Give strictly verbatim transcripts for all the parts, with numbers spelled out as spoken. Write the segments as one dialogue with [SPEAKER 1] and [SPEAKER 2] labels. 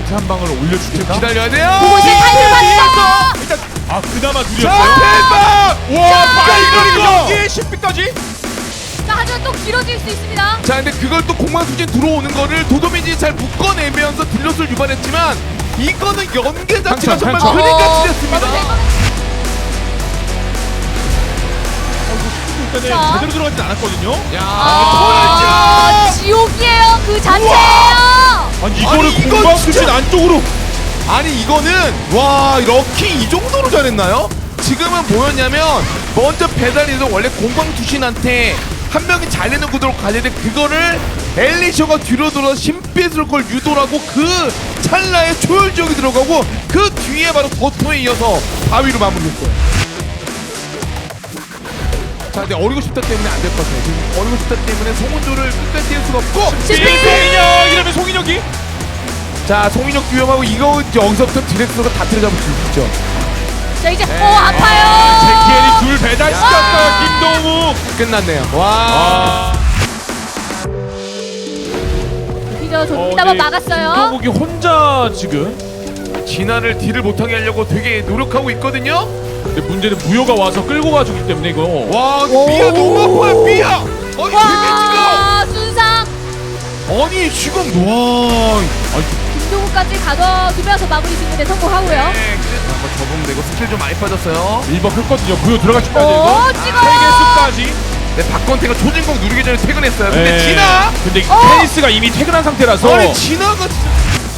[SPEAKER 1] 멘트 한 방을 올려줄 테니까
[SPEAKER 2] 기다려야 돼요.
[SPEAKER 3] 보고 있을 타이밍 봤어.
[SPEAKER 1] 일단 아 그나마
[SPEAKER 2] 자,
[SPEAKER 1] 누렸어요.
[SPEAKER 2] 대박!
[SPEAKER 1] 와
[SPEAKER 2] 이거, 이거!
[SPEAKER 1] 여기에 십비까지.
[SPEAKER 3] 자, 하지만 또 길어질 수 있습니다.
[SPEAKER 2] 자, 근데 그걸 또 공방수진 들어오는 거를 도도민이 잘 묶어내면서 딜롯을 유발했지만 이거는 연계 자체가
[SPEAKER 1] 한참,
[SPEAKER 2] 정말
[SPEAKER 1] 한참.
[SPEAKER 2] 그림같이 됐습니다.
[SPEAKER 1] 일단은
[SPEAKER 3] 자.
[SPEAKER 1] 제대로 들어가진 않았거든요.
[SPEAKER 2] 야,
[SPEAKER 3] 아,
[SPEAKER 2] 토요일즈!
[SPEAKER 3] 지옥이에요. 그 자체예요.
[SPEAKER 1] 아니 이거를
[SPEAKER 2] 아니, 이거
[SPEAKER 1] 공방
[SPEAKER 2] 진짜-
[SPEAKER 1] 수진 안쪽으로.
[SPEAKER 2] 아니 이거는 와 럭키 이 정도로 잘했나요? 지금은 뭐였냐면 먼저 배달이도 원래 공방 투신한테 한 명이 잘 내는 구도로 가야 되는데 그거를 엘리셔가 뒤로 돌아 신빛을 걸 유도하고 그 찰나에 초열지역이 들어가고 그 뒤에 바로 버터에 이어서 바위로 마무리했어요. 자, 근데 어리고 싶다 때문에 안 될 것 같아요. 지금 어리고 싶다 때문에 송은조를 끝까지 뛸 수가 없고
[SPEAKER 1] 송인혁 이러면 송인혁이.
[SPEAKER 2] 자, 송인혁 위험하고 이거 이제 여기서부터 디렉터가 다 틀어잡을 수 있죠.
[SPEAKER 3] 자, 이제
[SPEAKER 2] 네.
[SPEAKER 3] 오 아파요.
[SPEAKER 1] 제키엘이 둘 배달시켰어요. 김동욱.
[SPEAKER 2] 끝났네요. 와.
[SPEAKER 1] 아.
[SPEAKER 3] 휘저어줍니다만 막았어요.
[SPEAKER 1] 김동욱이 혼자 지금.
[SPEAKER 2] 진화를 딜을 못하게 하려고 되게 노력하고 있거든요.
[SPEAKER 1] 근데 문제는 무효가 와서 끌고 가주기 때문에 이거.
[SPEAKER 2] 와,
[SPEAKER 3] 오.
[SPEAKER 2] 삐야 너무 아파요, 삐야. 아니,
[SPEAKER 3] 와, 순상.
[SPEAKER 2] 데미지가. 아니, 지금 와.
[SPEAKER 3] 김동욱까지 가둬두면서 마무리 짓는데 성공하고요.
[SPEAKER 2] 네, 그래도 한번 접으면 되고 스킬 좀 많이 빠졌어요.
[SPEAKER 1] 일번 했거든요. 무효 들어갈 준비해야
[SPEAKER 3] 오,
[SPEAKER 1] 되고.
[SPEAKER 3] 찍어요.
[SPEAKER 1] 세개 수까지.
[SPEAKER 2] 네, 박건태가 초진공 누르기 전에 퇴근했어요. 근데
[SPEAKER 1] 네.
[SPEAKER 2] 진화.
[SPEAKER 1] 근데
[SPEAKER 3] 어.
[SPEAKER 1] 테니스가 이미 퇴근한 상태라서.
[SPEAKER 2] 아니, 진화가 진짜.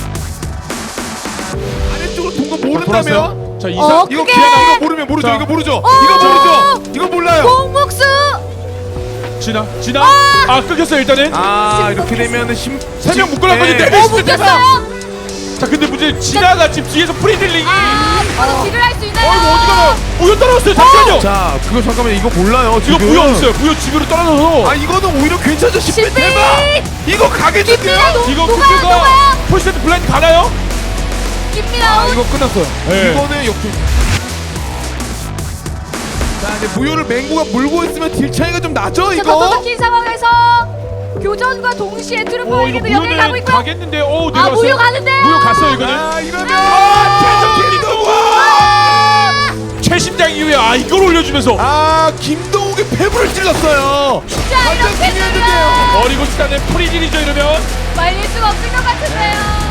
[SPEAKER 2] 아래쪽으로 동거 모른다면.
[SPEAKER 1] 돌았어요. 자 이사.
[SPEAKER 3] 어,
[SPEAKER 2] 이거
[SPEAKER 3] 그게-
[SPEAKER 2] 기아나 이거 모르면 모르죠.
[SPEAKER 1] 자.
[SPEAKER 2] 이거 모르죠.
[SPEAKER 3] 어.
[SPEAKER 2] 이거 모르죠. 이거 몰라요.
[SPEAKER 3] 공묵수.
[SPEAKER 1] 지나 지나. 아 끊겼어요 일단은.
[SPEAKER 2] 아, 이렇게 되면은 심.
[SPEAKER 1] 세 명 묶어놨거든요.
[SPEAKER 2] 네.
[SPEAKER 1] 네.
[SPEAKER 3] 오, 묶였어요.
[SPEAKER 1] 자 근데 문제 지나가 지금 뒤에서 프리딜링이.
[SPEAKER 3] 아, 바로 딜을 할 수 있나요?
[SPEAKER 1] 어 이거 어디 가나? 무효 떨어졌어요. 잠시만요.
[SPEAKER 2] 자, 그거 잠깐만 이거 몰라요.
[SPEAKER 1] 이거
[SPEAKER 2] 지금.
[SPEAKER 1] 무효 없어요. 무효 집으로 떨어져서.
[SPEAKER 2] 아, 이거는 오히려 괜찮죠. 십빛
[SPEAKER 3] 십빛!
[SPEAKER 2] 대박. 이거 가겠는데요.
[SPEAKER 3] 깁니다. 녹-
[SPEAKER 1] 이거
[SPEAKER 3] 녹아요,
[SPEAKER 1] 쿠크가
[SPEAKER 3] 녹아요.
[SPEAKER 1] 폴세트 블라인드 가나요?
[SPEAKER 3] 깁니다.
[SPEAKER 2] 아, 이거 끝났어요.
[SPEAKER 1] 네.
[SPEAKER 2] 이거는 역전. 자, 이제 무효를 맹구가 물고 있으면 딜 차이가 좀 나죠,
[SPEAKER 3] 자,
[SPEAKER 2] 이거?
[SPEAKER 3] 더더 긴 상황에서 교전과 동시에
[SPEAKER 1] 오 이거
[SPEAKER 3] 트루퍼에게도 연결 가고
[SPEAKER 1] 무효는
[SPEAKER 3] 있고요.
[SPEAKER 1] 가겠는데. 오
[SPEAKER 3] 아,
[SPEAKER 1] 내려왔어요.
[SPEAKER 3] 무효 가는데요.
[SPEAKER 1] 무효 갔어요 이거는.
[SPEAKER 2] 아, 이러면
[SPEAKER 1] 아,
[SPEAKER 2] 최종
[SPEAKER 1] 김동욱!
[SPEAKER 2] 김동욱!
[SPEAKER 1] 최심장 이후에 아 이걸 올려주면서
[SPEAKER 2] 아, 김동욱이 폐부를 찔렀어요.
[SPEAKER 3] 자,
[SPEAKER 2] 완전
[SPEAKER 3] 이렇게
[SPEAKER 2] 중요한데요.
[SPEAKER 3] 되면
[SPEAKER 1] 어리고 싶다는 프리딜이죠 이러면.
[SPEAKER 3] 말릴 수가 없을 것 같은데요.